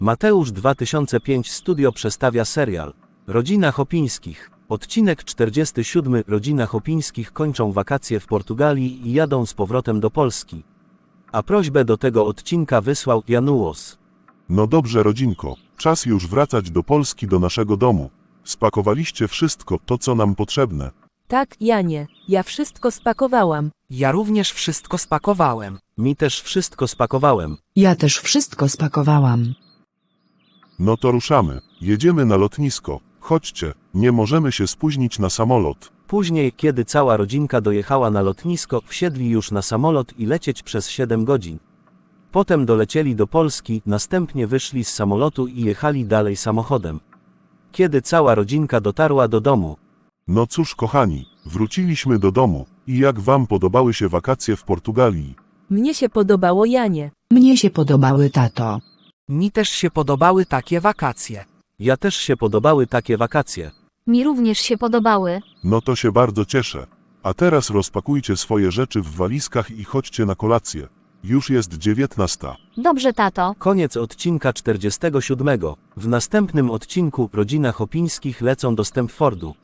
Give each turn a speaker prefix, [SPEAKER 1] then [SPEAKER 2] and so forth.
[SPEAKER 1] Mateusz 2005 Studio przedstawia serial Rodzina Chopińskich. Odcinek 47. Rodzina Chopińskich kończą wakacje w Portugalii i jadą z powrotem do Polski. A prośbę do tego odcinka wysłał Januos.
[SPEAKER 2] No dobrze, rodzinko, czas już wracać do Polski, do naszego domu. Spakowaliście wszystko to, co nam potrzebne.
[SPEAKER 3] Tak, Janie, ja wszystko spakowałam.
[SPEAKER 4] Ja również wszystko spakowałem.
[SPEAKER 1] Mi też wszystko spakowałem.
[SPEAKER 5] Ja też wszystko spakowałam.
[SPEAKER 2] No to ruszamy. Jedziemy na lotnisko. Chodźcie, nie możemy się spóźnić na samolot.
[SPEAKER 1] Później, kiedy cała rodzinka dojechała na lotnisko, wsiedli już na samolot i lecieć przez 7 godzin. Potem dolecieli do Polski, następnie wyszli z samolotu i jechali dalej samochodem. Kiedy cała rodzinka dotarła do domu.
[SPEAKER 2] No cóż, kochani, wróciliśmy do domu. I jak wam podobały się wakacje w Portugalii?
[SPEAKER 3] Mnie się podobało, Janie.
[SPEAKER 5] Mnie się podobały, tato.
[SPEAKER 4] Mi też się podobały takie wakacje.
[SPEAKER 1] Ja też się podobały takie wakacje.
[SPEAKER 6] Mi również się podobały.
[SPEAKER 2] No to się bardzo cieszę. A teraz rozpakujcie swoje rzeczy w walizkach i chodźcie na kolację. Już jest 19.
[SPEAKER 6] Dobrze, tato.
[SPEAKER 1] Koniec odcinka 47. W następnym odcinku Rodzina Chopińskich lecą do Stamfordu.